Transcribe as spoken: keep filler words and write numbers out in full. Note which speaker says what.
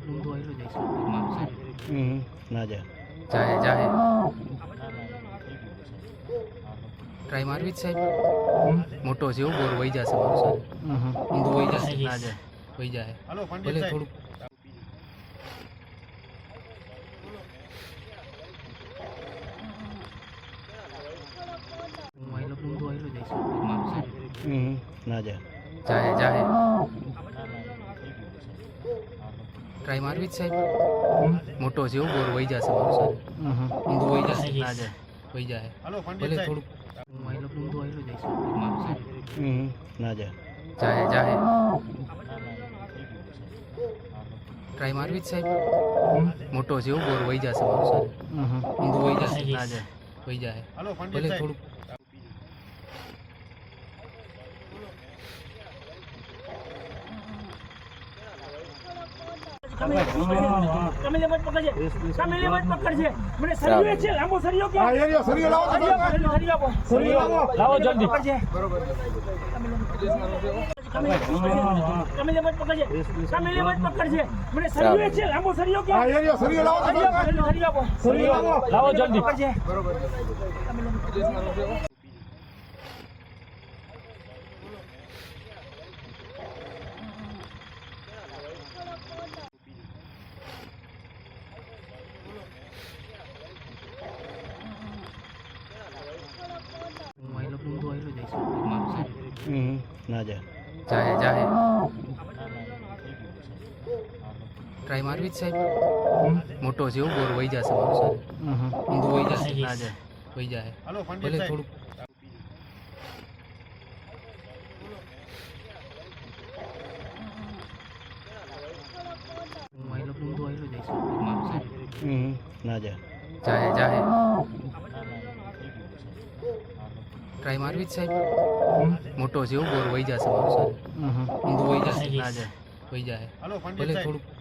Speaker 1: ઊંધું આવેલું જાય છે મારું છે
Speaker 2: હમ ના જા
Speaker 1: જાહે જાહે ટ્રાય મારવી જ સાહેબ મોટો છે એવું બોર વહી જશે મારું સાહેબ ઊંધું વહી જશે ના જાય વહી જાય ભલે થોડુંક ઊંધું આવેલું જાય છે મારું છે
Speaker 2: હમ ના જા
Speaker 1: જાહે જાહે ટ્રાય મારવી જ સાહેબ મોટો છે એવું બોર વહી જશે મારું સાહેબ ઊંધું વહી જશે ના જાય વહી જાય ભલે થોડુંક ઊંધું આવેલું જાય છે મારું છે
Speaker 2: હમ ના જા
Speaker 1: જાહે જાહે ટ્રાય મારવી જ સાહેબ મોટો છે એવું બોર વહી જશે મારું સાહેબ ઊંધું વહી જશે ના જાય વહી જાય ભલે થોડુંક
Speaker 3: તમે મત પકડજે તમે મત પકડજે મને સરિયો છે લાંબો સરિયો કે હા એરિયો સરિયો લાવો સરિયો આપો સરિયો લાવો જલ્દી બરોબર તમે મત પકડજે તમે મત પકડજે મને સરિયો છે લાંબો સરિયો કે હા એરિયો સરિયો લાવો સરિયો આપો સરિયો લાવો જલ્દી બરોબર
Speaker 1: ઊંધું આવેલું જાય છે મારું છે
Speaker 2: હમ ના જા
Speaker 1: જાહે જાહે ટ્રાય મારવી જ સાહેબ મોટો છે એવું બોર વહી જશે મારું સાહેબ ઊંધું વહી જશે ના જાય વહી જાય ભલે થોડુંક ઊંધું આવેલું જાય છે મારું છે
Speaker 2: હમ ના જા
Speaker 1: જાહે જાહે ટ્રાય મારવી જ સાહેબ મોટો છે એવું બોર વહી જશે મારું સાહેબ ઊંધું વહી જશે ના જાય વહી જાય ભલે થોડુંક